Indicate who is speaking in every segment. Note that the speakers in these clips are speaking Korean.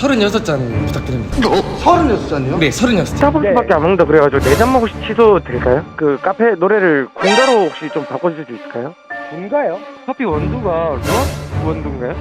Speaker 1: 36잔 부탁드립니다.
Speaker 2: 36잔이요?
Speaker 1: 네, 36잔.
Speaker 3: 스타벅스밖에 안 먹는다 그래가지고 4잔 먹고 취소 될까요? 그 카페 노래를 군가로 혹시 좀 바꿔줄 수 있을까요? 군가요? 커피 원두가 루악 원두인가요?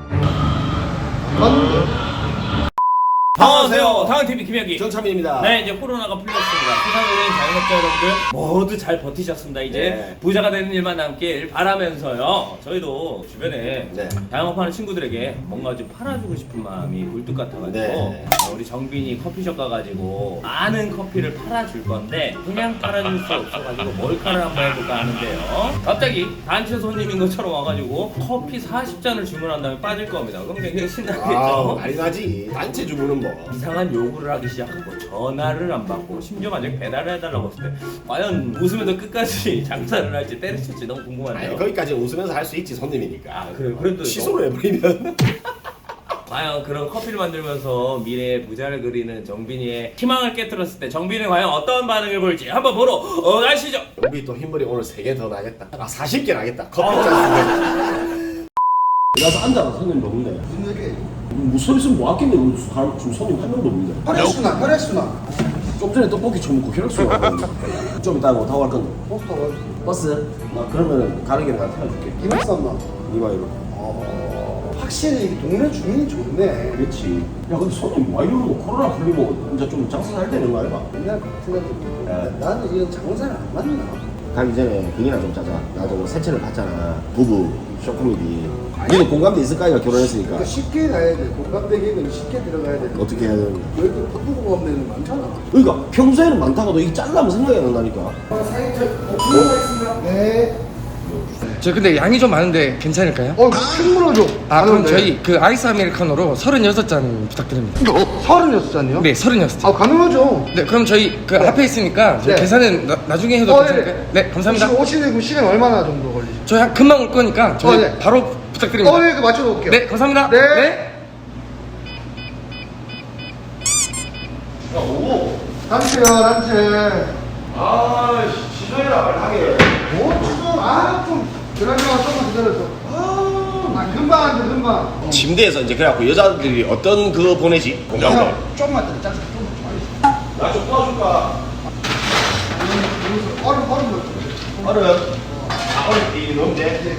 Speaker 4: 안녕하세요. 당은TV 김혁이
Speaker 5: 정찬민입니다.
Speaker 4: 네, 이제 코로나가 풀렸습니다. 세상으로인 자영업자 여러분들 모두 잘 버티셨습니다. 이제
Speaker 5: 네.
Speaker 4: 부자가 되는 일만 남길 바라면서요. 저희도 주변에
Speaker 5: 네.
Speaker 4: 자영업하는 친구들에게 뭔가 좀 팔아주고 싶은 마음이 굴뚝 같아가지고
Speaker 5: 네.
Speaker 4: 우리 정빈이 커피숍 가가지고 많은 커피를 팔아줄 건데 그냥 팔아줄 수 없어가지고 몰카를 한번 해볼까 하는데요. 갑자기 단체 손님인 것처럼 와가지고 커피 40잔을 주문한 다음에 빠질 겁니다. 그럼 굉장히 신나겠죠?
Speaker 5: 난리 나지. 단체 주문은 뭐.
Speaker 4: 이상한 요구를 하기 시작하고 전화를 안 받고 심지어 만약에 배달을 해달라고 했을 때 과연 웃으면서 끝까지 장사를 할지 때려칠지 너무 궁금한데요.
Speaker 5: 아니, 거기까지 웃으면서 할 수 있지, 손님이니까.
Speaker 4: 아, 그래, 그래도
Speaker 5: 취소를 해버리면.
Speaker 4: 과연 그런 커피를 만들면서 미래의 부자를 그리는 정빈이의 희망을 깨뜨렸을 때 정빈이 과연 어떤 반응을 보일지 한번 보러 가시죠.
Speaker 5: 우리 또 흰머리 오늘 3개 더 나겠다. 40개 나겠다. 커피 잔.
Speaker 6: 나서 앉아라. 손님도 없네.
Speaker 2: 무슨 얘기?
Speaker 6: 뭐 서 있으면 뭐 아끼네. 지금 손님 한 명도 없는데.
Speaker 2: 혈액순환, 혈액순환.
Speaker 6: 좀 전에 떡볶이 처먹고 혈액순환 좀 이따가 뭐 타고 갈 건데.
Speaker 2: 버스 타고
Speaker 6: 버스? 나 그러면 가는 길에 나 태워줄게.
Speaker 2: 이박 쌌나?
Speaker 6: 이바이로.
Speaker 2: 확실히 이 동네 주민이 좋네.
Speaker 6: 그렇지. 야 근데 손님 와 이러는 거 코로나 풀리고 이제 좀 장사 잘 되는 거 아이가?
Speaker 2: 옛날 같은 나는 이런 장사를 안 맞나?
Speaker 6: 가기 전에 비니나 좀 짜자. 나 저거 세차를 봤잖아. 부부 쇼코미디. 니도 공감대 있을까 이가 결혼했으니까.
Speaker 2: 그러니까 쉽게 가야 돼. 공감되기는 쉽게 들어가야 돼.
Speaker 6: 어떻게 해야 되는 거야?
Speaker 2: 여기 바쁘고 가면 데는 많잖아.
Speaker 6: 그러니까 평소에는 많다가도 이게 잘라면 생각이 안 나니까.
Speaker 2: 네.
Speaker 1: 저 근데 양이 좀 많은데 괜찮을까요?
Speaker 2: 큰 줘.
Speaker 1: 아, 그럼 저희 그 아이스 아메리카노로 36잔 부탁드립니다.
Speaker 2: 36잔이요?
Speaker 1: 네, 36잔.
Speaker 2: 아, 가능하죠.
Speaker 1: 네, 그럼 저희 그 앞에 있으니까 저희
Speaker 2: 네.
Speaker 1: 계산은 나중에 해도 괜찮을까요?
Speaker 2: 네.
Speaker 1: 네, 감사합니다.
Speaker 2: 오시는 시간 얼마나 정도 걸리죠?
Speaker 1: 저희 금방 올 거니까 저희
Speaker 2: 네.
Speaker 1: 바로 부탁드립니다.
Speaker 2: 네, 그 맞춰놓을게요.
Speaker 1: 네, 감사합니다.
Speaker 2: 네. 단체요, 단체.
Speaker 5: 취소해라, 말하게.
Speaker 2: 뭐, 지금, 좀, 그러면 조금만 기다려줘. 금방 앉아, 금방.
Speaker 5: 침대에서 이제 그래갖고 여자들이 어떤 그거 보내지? 공감대.
Speaker 2: 좀만 더 짜증 좀.
Speaker 5: 나좀 도와줄까?
Speaker 2: 얼음 넣어줘.
Speaker 5: 얼음. 얼음 이 넣으면 돼.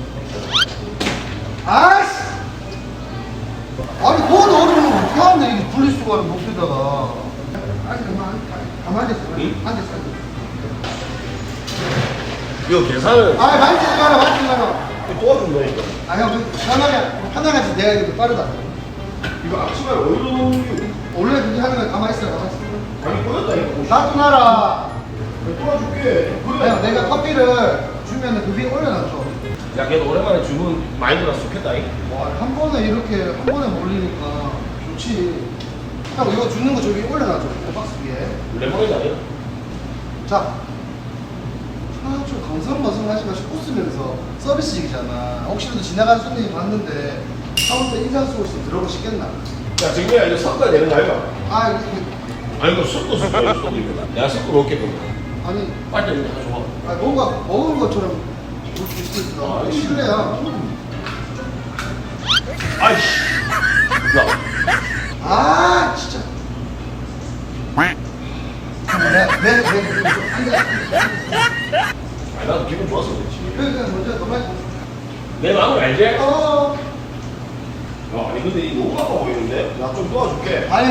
Speaker 2: 아이씨! 아니, 그건 얼음을 어떻게 하는데, 이게 분리수거를 목에다가. 가만히 있어. 앉아있어.
Speaker 5: 이거 계산을
Speaker 2: 만지지 마라, 만지지 마라.
Speaker 5: 도와준다니까.
Speaker 2: 형, 편하게 해서 내가 이거 빠르다.
Speaker 5: 이거 앞치마를 어디로 넣는 게
Speaker 2: 원래 그렇게 하는 거 가만히 있어, 가만히 있어.
Speaker 5: 아니 꺼졌다니까.
Speaker 2: 놔두나라.
Speaker 5: 도와줄게.
Speaker 2: 형, 내가 커피를 주면 그 위에 올려놔줘.
Speaker 5: 야, 걔도 오랜만에 주문 많이 들어서 좋겠다.
Speaker 2: 와, 한 번에 이렇게, 한 번에 몰리니까 좋지. 형, 이거 주는 거 저기 올려놔줘. 박스 위에.
Speaker 5: 레몬이 아니야?
Speaker 2: 자. 좀 강성머성 하지 마시고 웃으면서 서비스직이잖아. 혹시라도 지나가는 손님이 봤는데 카운터 인상 쓰고 있으면 들어보시겠나?
Speaker 5: 야, 정민아, 이거 섞어야 되는 거 아이가? 아니, 이거 섞어, 섞어, 내가 섞어 놓을게, 그럼.
Speaker 2: 아니,
Speaker 5: 빨리 이거 가져와.
Speaker 2: 뭔가 먹은 것처럼 볼 수 있으니까 실례야.
Speaker 5: 아이씨. 야.
Speaker 2: 진짜. 네.
Speaker 5: 아니, 나도 기분 좋았어, 그렇지.
Speaker 2: 그러니까 먼저 너만.
Speaker 5: 내 마음을 알지? 야,
Speaker 2: 어.
Speaker 5: 아니, 근데 이 너무 아파 보이는데? 나 좀 도와줄게.
Speaker 2: 아니,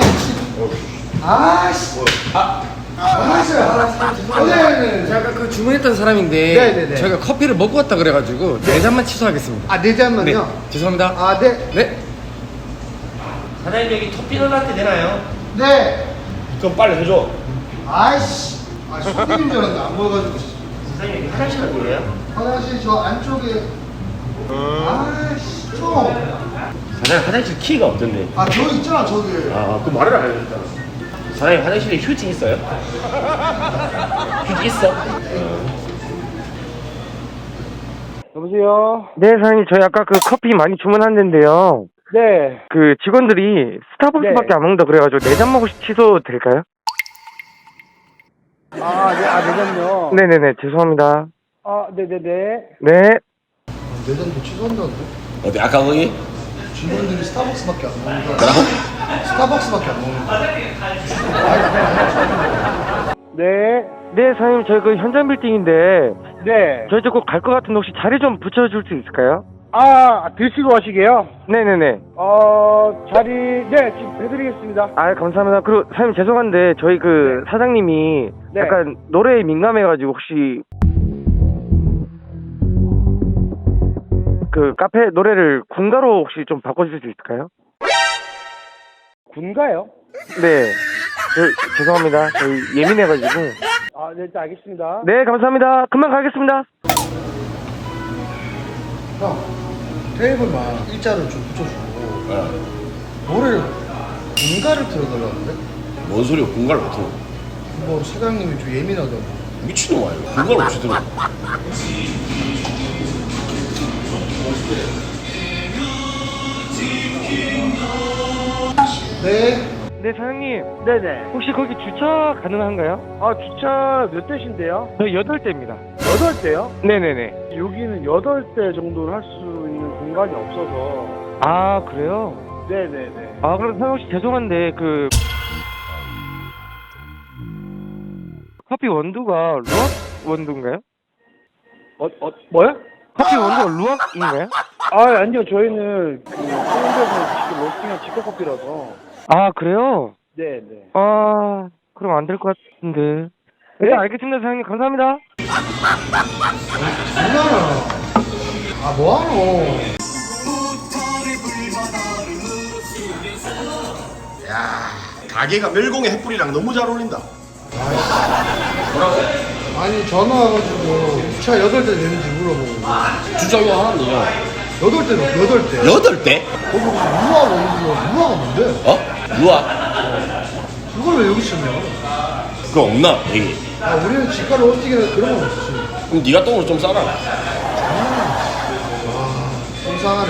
Speaker 2: 알았어요. 네.
Speaker 1: 제가 아까 그 주문했던 사람인데
Speaker 2: 네네네.
Speaker 1: 저희가 커피를 먹고 왔다 그래가지고 4잔만 취소하겠습니다.
Speaker 2: 네 잔만요?
Speaker 1: 네, 죄송합니다.
Speaker 2: 네.
Speaker 1: 네.
Speaker 5: 사장님, 여기 토피넛 라떼 되나요?
Speaker 2: 네.
Speaker 5: 그럼 빨리 해줘.
Speaker 2: 손님인 줄 알았는데 안 보여가지고.
Speaker 5: 사장님, 여기 화장실 어디예요?
Speaker 2: 화장실 저 안쪽에. 좀.
Speaker 5: 사장님, 화장실 키가 없던데.
Speaker 2: 저 있잖아, 저기.
Speaker 5: 그 말을 안 해줬잖아. 사장님, 화장실에 휴지 있어요? 휴지 있어?
Speaker 3: 여보세요? 네, 사장님. 저희 아까 그 커피 많이 주문했는데요. 네. 그 직원들이 스타벅스밖에 안 먹는다 그래가지고 4잔 먹고 취소 될까요?
Speaker 7: 네, 4잔요?
Speaker 3: 네네네. 죄송합니다.
Speaker 7: 네네네.
Speaker 3: 네.
Speaker 2: 내잔도 취소한다는데?
Speaker 5: 어디, 아까 거기?
Speaker 2: 직원들이 스타벅스밖에 안 먹는다.
Speaker 5: 그럼?
Speaker 2: 스타벅스밖에 안 먹는 거야.
Speaker 7: 네.
Speaker 3: 네, 사장님, 저희 그 현장 빌딩인데,
Speaker 7: 네.
Speaker 3: 저희 꼭 갈 것 같은데 혹시 자리 좀 붙여줄 수 있을까요?
Speaker 7: 아, 드시고 가시게요?
Speaker 3: 네네네.
Speaker 7: 자리, 네, 지금 해드리겠습니다.
Speaker 3: 아, 감사합니다. 그리고 사장님 죄송한데, 저희 그 사장님이
Speaker 7: 네.
Speaker 3: 약간 노래에 민감해가지고 혹시 그 카페 노래를 군가로 혹시 좀 바꿔주실 수 있을까요?
Speaker 7: 군가요?
Speaker 3: 네. 죄송합니다. 저희 예민해가지고.
Speaker 7: 아, 네, 일단 알겠습니다.
Speaker 3: 네, 감사합니다. 금방 가겠습니다.
Speaker 2: 형, 테이블만 일자를 좀 붙여주고 노래를 군가를 틀어달라는데?
Speaker 5: 뭔 소리야? 공갈 못 들어.
Speaker 2: 뭐 사장님이 좀 예민하다고.
Speaker 5: 미친놈 아니야? 공갈 없이 들어.
Speaker 2: 네.
Speaker 3: 네, 사장님.
Speaker 7: 네네.
Speaker 3: 혹시 거기 주차 가능한가요?
Speaker 7: 아, 주차 몇 대신데요?
Speaker 3: 저희 8대입니다.
Speaker 7: 8대요?
Speaker 3: 네네네.
Speaker 7: 여기는 8대 정도는 할 수 있는 공간이 없어서.
Speaker 3: 아, 그래요?
Speaker 7: 네네네.
Speaker 3: 아, 그럼 사장님 혹시 죄송한데, 커피 원두가 루악 원두인가요?
Speaker 7: 뭐요?
Speaker 3: 커피 원두가 루악인가요?
Speaker 7: 아, 아니요. 저희는 서울에서 직접 로스팅한 직화커피라서.
Speaker 3: 아, 그래요?
Speaker 7: 네네.
Speaker 3: 아, 그럼 안 될 것 같은데. 네, 알겠습니다, 사장님. 감사합니다.
Speaker 2: 장난아. 아, 뭐하노?
Speaker 5: 야, 가게가 멸공의 햇불이랑 너무 잘 어울린다.
Speaker 2: 아니, 전화 와가지고 주차 8대 되는지 물어보고.
Speaker 5: 주장이 하나는요.
Speaker 2: 8대로, 8대.
Speaker 5: 8대?
Speaker 2: 거기 무슨 무화가 있는 무화가 뭔데?
Speaker 5: 어? 누아?
Speaker 2: 그걸 왜 여기 있었냐?
Speaker 5: 그거 없나? 여기.
Speaker 2: 아, 우리는 집가를 어떻게 그런 건 없지.
Speaker 5: 그럼 네가 똥을 좀 싸라.
Speaker 2: 속상하네.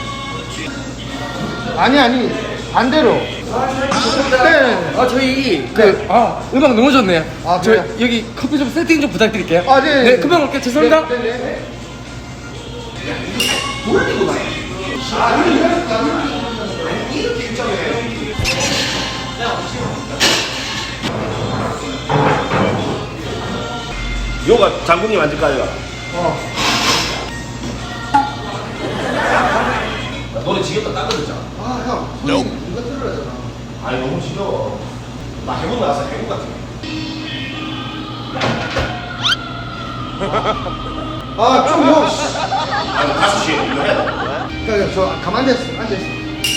Speaker 2: 아니, 반대로. 네.
Speaker 1: 아 저희 음악 너무 좋네요.
Speaker 2: 아,
Speaker 1: 저
Speaker 2: 그래요?
Speaker 1: 여기 커피 좀 세팅 좀 부탁드릴게요.
Speaker 2: 아, 네.
Speaker 1: 네, 금방 올게요. 죄송합니다.
Speaker 2: 네.
Speaker 5: 요가 장군님 앉을까요? 노래 지겹다 따거든잖아.
Speaker 2: 아, 형. 손님 이거 들으라잖아.
Speaker 5: 아니 너무 지겨워. 나 해군 나와서 해군 같은 거.
Speaker 2: 아, 좀 형. 씨.
Speaker 5: 아니 5시에 이거 해야 돼.
Speaker 2: 그러니까 저 가만히 앉아있어.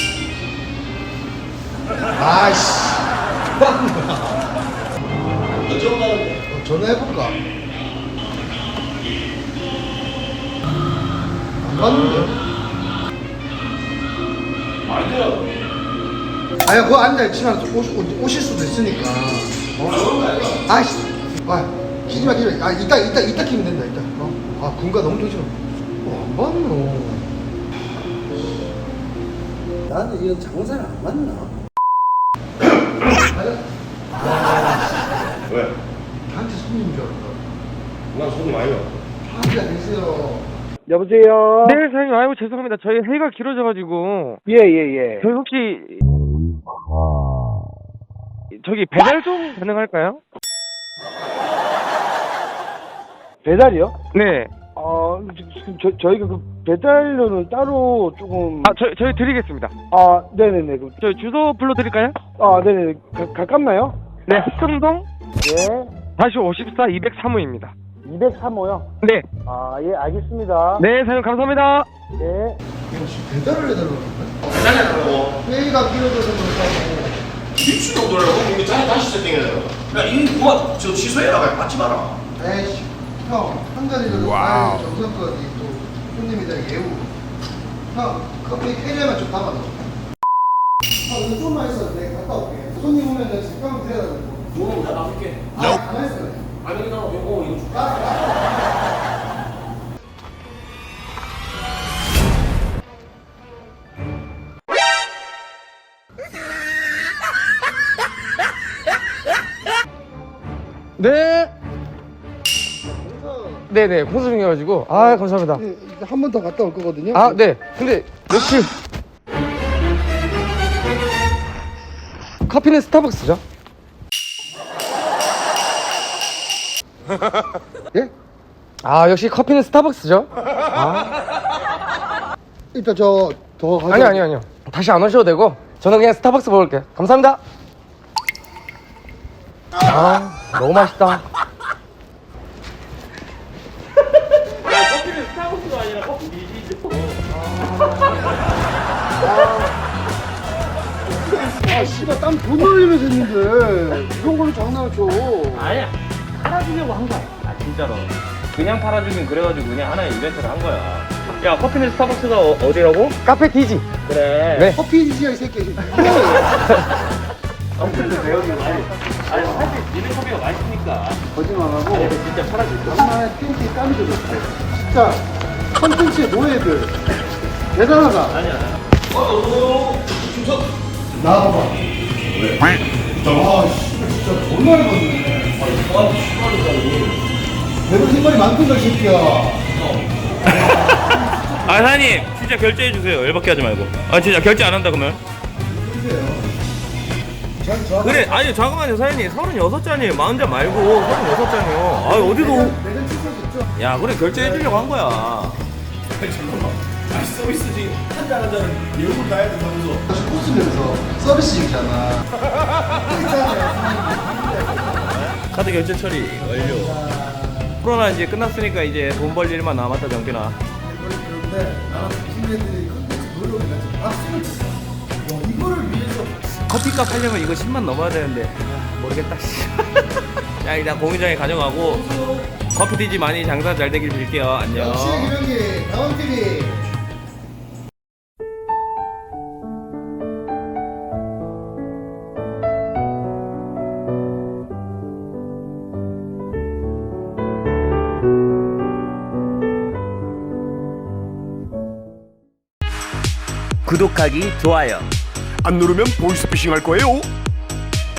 Speaker 2: 아이씨.
Speaker 5: 언제 온다는데?
Speaker 2: 전화해볼까? 안 받는데?
Speaker 5: 안 돼요.
Speaker 2: 아니, 그거 앉아있지만 오실 수도 있으니까. 아이씨. 아, 키지마. 아, 이따 키면 된다, 이따. 아, 군가 너무 좋지. 안 받노.
Speaker 6: 나는 이건 장사를 안 맞나?
Speaker 5: 왜?
Speaker 2: 나한테 손님인 줄 알았다.
Speaker 5: 난 손님 아니야.
Speaker 2: 앉아 계세요.
Speaker 7: 여보세요?
Speaker 3: 네, 사장님. 아이고, 죄송합니다. 저희 회의가 길어져가지고.
Speaker 7: 예.
Speaker 3: 저희 혹시, 저기 배달 좀 가능할까요?
Speaker 7: 배달이요?
Speaker 3: 네.
Speaker 7: 지금 저희가 그 배달료는 따로 조금.
Speaker 3: 아, 저희 드리겠습니다.
Speaker 7: 아, 네네네.
Speaker 3: 저희 주소 불러드릴까요?
Speaker 7: 아, 네네. 가깝나요?
Speaker 3: 네, 흥동
Speaker 7: 네.
Speaker 3: 다시 54 203호입니다.
Speaker 7: 203호요?
Speaker 3: 네.
Speaker 7: 아, 예, 알겠습니다.
Speaker 3: 네, 사장님 감사합니다.
Speaker 7: 네.
Speaker 2: 배달을 해달라고 그러네?
Speaker 5: 배달해달라고.
Speaker 2: 회의가 길어져서 그렇다고.
Speaker 5: 미친놈들하고 이게 다시 세팅해야 돼. 야, 이 그만 저 취소해라. 받지 마라.
Speaker 2: 에이씨, 형, 한 가지로 와우. 정성껏 또 손님이다 예우. 형, 커피 캐리어만 좀 담아줘. 형, 이거 좀만 있어. 내가 갔다 올게. 손님 오면 내가 잠깐만 드려야 돼.
Speaker 5: 뭐, 나 놔둘게.
Speaker 2: 가만히 있어.
Speaker 5: 아니, 나 이거 줄까?
Speaker 1: 네. 네네 공수 중이어가지고 아 감사합니다.
Speaker 2: 한 번 더 갔다 올 거거든요.
Speaker 1: 아 네. 근데 며칠 커피는 스타벅스죠?
Speaker 2: 예?
Speaker 1: 아 역시 커피는 스타벅스죠?
Speaker 2: 일단 저 더 가져.
Speaker 1: 아니요 다시 안 오셔도 되고 저는 그냥 스타벅스 먹을게요. 감사합니다. 아 너무 맛있다.
Speaker 4: 커피는 스타벅스가 아니라 커피 미지죠.
Speaker 2: 아 씨발 땀 돈 흘리면서 했는데 이런 걸로 장난을 쳐.
Speaker 4: 아니야, 팔아주려고 한 거야. 아 진짜로. 그냥 팔아주긴 그래가지고 그냥 하나의 이벤트를 한 거야. 야, 커피는 스타벅스가 어디라고?
Speaker 1: 카페 디지.
Speaker 4: 그래.
Speaker 1: 네.
Speaker 2: 커피 디지야 이 새끼.
Speaker 4: 아니 사실 니네 커피가 맛있으니까.
Speaker 2: 거짓말하고
Speaker 4: 아니 진짜 팔아줄 거야.
Speaker 2: 정말 팬티에 땀이 들었어. 진짜 컨텐츠의 노예들 대단하다.
Speaker 4: 아니야.
Speaker 2: 나와봐. 왜? 아 씨, 진짜 존나 해봤네. 내가 생각이 많던가 이 새끼야.
Speaker 4: 아 사장님 진짜 결제해 주세요. 열받게 하지 말고. 아 진짜 결제 안 한다 그러면? 그래 아니 잠깐만요 사장님 36잔이에요. 40잔 말고 36잔이요. 아 어디도
Speaker 2: 내가 취소했죠?
Speaker 4: 야 그래 결제해 주려고 한 거야.
Speaker 2: 웃으면서 서비스직이잖아.
Speaker 4: 카드 결제 처리 완료. 코로나 이제 끝났으니까 이제 돈 벌 일만 남았다 정빈아.
Speaker 2: 그런데 나는 당신네들이 컨텐츠 노력을 해서 박수를 쳤어. 이거를 위해서
Speaker 4: 커피값 하려면 이거 10만 넘어야 되는데 모르겠다. 야 일단 공유장에 가져가고 커피 디지 많이 장사 잘 되길 빌게요. 안녕.
Speaker 2: 역시 김영기 다음 TV.
Speaker 4: 구독하기 좋아요.
Speaker 8: 안 누르면 보이스피싱 할 거예요.